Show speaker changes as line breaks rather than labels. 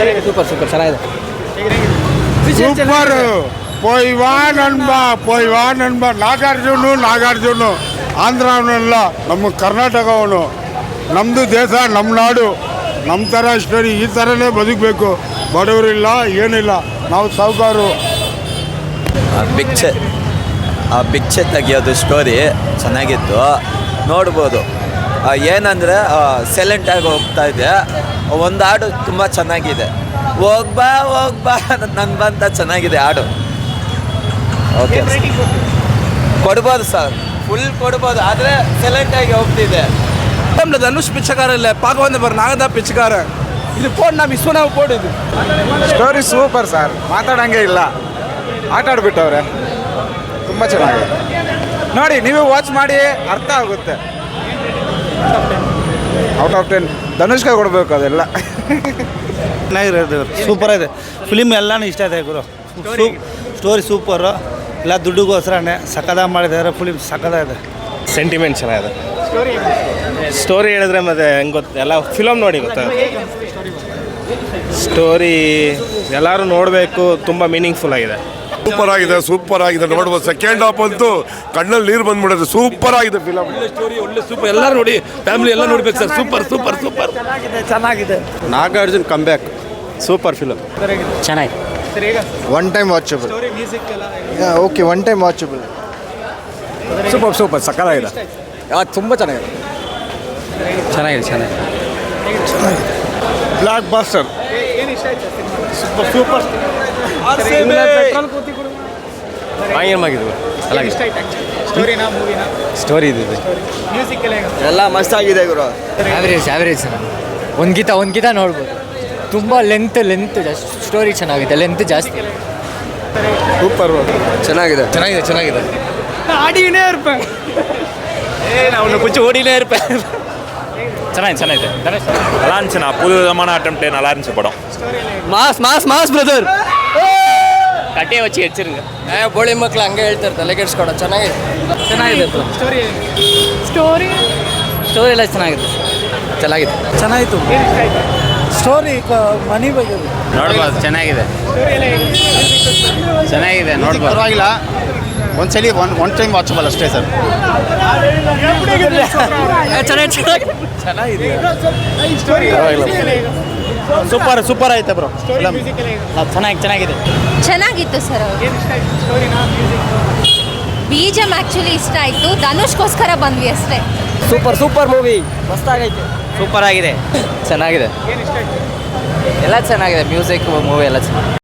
Super super ಚೆನ್ನಾಗಿದೆ.
Super. ಪೊಯ್ವಾ ನನ್ಬ ನಾಗಾರ್ಜುನ ಆಂಧ್ರವನೆಲ್ಲ ನಮ್ಮ ಕರ್ನಾಟಕವನು, ನಮ್ಮದು ದೇಶ, ನಮ್ಮ ನಾಡು, ನಮ್ಮ ಥರ ಸ್ಟೋರಿ ಈ ಥರನೇ ಬದುಕಬೇಕು. ಬಡವರಿಲ್ಲ ಏನಿಲ್ಲ, ನಾವು ಸಾಹುಕಾರು.
ಭಿಕ್ಷೆ ತೆಗಿಯೋದು ಸ್ಟೋರಿ ಚೆನ್ನಾಗಿತ್ತು, ನೋಡ್ಬೋದು. ಏನಂದರೆ ಸೈಲೆಂಟಾಗಿ ಹೋಗ್ತಾ ಇದೆ. ಒಂದು ಹಾಡು ತುಂಬ ಚೆನ್ನಾಗಿದೆ, ಹೋಗ್ಬಾ ನನ್ನ ಬಂತ ಚೆನ್ನಾಗಿದೆ ಹಾಡು. ಓಕೆ ಕೊಡ್ಬೋದು ಸರ್, ಫುಲ್ ಕೊಡ್ಬೋದು, ಆದರೆ ಸೈಲೆಂಟಾಗಿ ಹೋಗ್ತಿದೆ.
ಧನುಷ್ ಪಿಚ್ಚಕಾರಲ್ಲ ಪಾಕವಂದ ಬರ್ ನಾಗದ ಪಿಚ್ಚಕಾರ ಇದು ಪೋಡ್ ನಾ ವಿಶ್ವನಾವ್ ಪೋಡ್ ಇದು.
ಸ್ಟೋರಿ ಸೂಪರ್ ಸರ್, ಮಾತಾಡೋಂಗೆ ಇಲ್ಲ, ಆಟ ಆಡ್ಬಿಟ್ಟವ್ರೆ. ತುಂಬ ಚೆನ್ನಾಗಿದೆ, ನೋಡಿ ನೀವು ವಾಚ್ ಮಾಡಿ ಅರ್ಥ ಆಗುತ್ತೆ. ಔಟ್ ಆಫ್ 10 ಧನುಷ್ಗೆ ಕೊಡಬೇಕು ಅದೆಲ್ಲ.
ಚೆನ್ನಾಗಿರೋದು, ಸೂಪರ್ ಇದೆ ಫಿಲಿಮ್, ಎಲ್ಲನೂ ಇಷ್ಟ ಇದೆ ಗುರು. ಸ್ಟೋರಿ ಸೂಪರು, ಎಲ್ಲ ದುಡ್ಡುಗೋಸ್ಕರನೇ ಸಕ್ಕದಾಗ ಮಾಡಿದ್ದಾರೆ. ಫಿಲಿಮ್ ಸಕ್ಕದಾಗಿದೆ,
ಸೆಂಟಿಮೆಂಟ್ ಚೆನ್ನಾಗಿದೆ. ಸ್ಟೋರಿ ಹೇಳಿದ್ರೆ ಮತ್ತೆ ಹೆಂಗೆ ಗೊತ್ತು, ಎಲ್ಲ ಫಿಲಮ್ ನೋಡಿ ಗೊತ್ತಾಗುತ್ತೆ. ಸ್ಟೋರಿ ಎಲ್ಲರೂ ನೋಡಬೇಕು, ತುಂಬ ಮೀನಿಂಗ್ಫುಲ್ ಆಗಿದೆ.
ಸೂಪರ್ ಆಗಿದೆ ನೋಡ್ಬೋದು. ಸೆಕೆಂಡ್ ಹಾಫ್ ಅಂತೂ ಕಣ್ಣಲ್ಲಿ ನೀರು ಬಂದ್ಬಿಡುತ್ತೆ. ಸೂಪರ್ ಆಗಿದೆ ಫಿಲಮ್.
ಸ್ಟೋರಿ ಒಳ್ಳೆ ಸೂಪರ್, ಎಲ್ಲರೂ ನೋಡಿ, ಫ್ಯಾಮಿಲಿ ಎಲ್ಲ ನೋಡ್ಬೇಕು ಸರ್. ಸೂಪರ್ ಸೂಪರ್ ಸೂಪರ್
ಚೆನ್ನಾಗಿದೆ.
Nagarjun comeback, super film.
ಚೆನ್ನಾಗಿದೆ.
One time watchable. Okay, one time watchable.
Super ಸಕ್ಕತ್ತಾಗಿದೆ, ತುಂಬ ಚೆನ್ನಾಗಿದೆ.
Block buster.
ಸೂಪರ್
ಸ್ಟೋರಿ ಇದೆ,
ಎಲ್ಲ ಮಸ್ತಾಗಿದೆ ಗುರು.
ಆವ್ರೇಜ್ ಒಂದ್ಗಿತ ನೋಡ್ಬೋದು. ತುಂಬ ಲೆಂತ್ ಸ್ಟೋರಿ ಚೆನ್ನಾಗಿದೆ, ಲೆಂತ್ ಜಾಸ್ತಿ.
ಸೂಪರ್
ಚೆನ್ನಾಗಿದೆ.
ಆಡಿನೇ ಇರ್ಬೇಕು,
ಅವನು ಕುಚ್ಚು ஓடினே இருப்பேன்.
ಚೆನ್ನಾಗಿದೆ.
நல்லா இருந்துச்சுண்ணா, புது விதமான அட்டம்ப்ட், நல்லா இருந்துச்சு படம்.
ಮಾಸ್ ಬ್ರದರ್
கட்டையை வச்சு வச்சிருங்க.
ಬೋಳಿ ಮಕ್ಳು ಹಂಗೆ ಹೇಳ್ತಾರೆ, ತಲೆ ಕೆಡ್ಸ್ಕೊಡ. ಚೆನ್ನಾಗಿದೆ. ಸ್ಟೋರಿ ಎಲ್ಲ ಚೆನ್ನಾಗಿದೆ.
ಚೆನ್ನಾಗಿತ್ತು. ಸ್ಟೋರಿ ಮನಿ ಬಗ್ಗೆ
ನೋಡ್ಬೋದು, ಚೆನ್ನಾಗಿದೆ ನೋಡ್ಬೋದು.
ಪರವಾಗಿಲ್ಲ, ಒಂದ್ಸಲಿ ಒನ್ ಟೈಮ್ ವಾಚಬಲ್ ಅಷ್ಟೇ ಸರ್. ಚೆನ್ನಾಗಿದೆ, ಸೂಪರ್ ಆಯ್ತು ಬ್ರೋ.
ಚೆನ್ನಾಗಿತ್ತು ಸರ್. ಬೀಜಮ್ ಆ್ಯಕ್ಚುಲಿ ಇಷ್ಟ ಆಯಿತು, ಧನುಷ್ಗೋಸ್ಕರ ಬಂದ್ವಿ ಅಷ್ಟೇ.
Super movie, ಮಸ್ತಾಗೈತೆ. ಸೂಪರ್ ಆಗಿದೆ, ಚೆನ್ನಾಗಿದೆ, ಎಲ್ಲ ಚೆನ್ನಾಗಿದೆ. ಮ್ಯೂಸಿಕ್, ಮೂವಿ ಎಲ್ಲ ಚೆನ್ನಾಗಿದೆ.